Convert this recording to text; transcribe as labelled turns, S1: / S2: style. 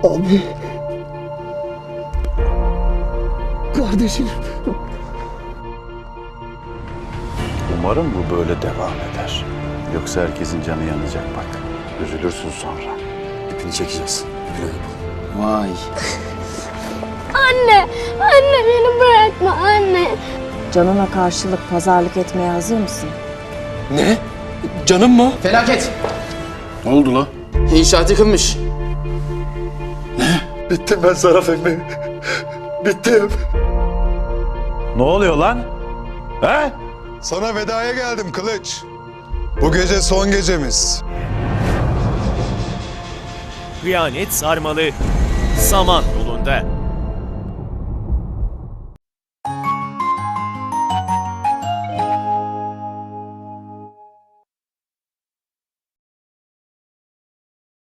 S1: Abi. Kardeşim.
S2: Umarım bu böyle devam eder. Yoksa herkesin canı yanacak bak. Üzülürsün sonra.
S1: İpini çekeceğiz. Plan yapalım.
S3: Vay.
S4: Anne, anne beni bırakma anne.
S5: Canına karşılık pazarlık etmeye hazır mısın?
S1: Ne? Canım mı?
S3: Felaket.
S2: Ne oldu la?
S3: İnşaat yıkılmış.
S1: Bittim ben Saraf emmi. Bittim.
S2: Ne oluyor lan? He?
S6: Sana vedaya geldim Kılıç. Bu gece son gecemiz.
S7: Kıyamet Sarmalı, Saman yolunda.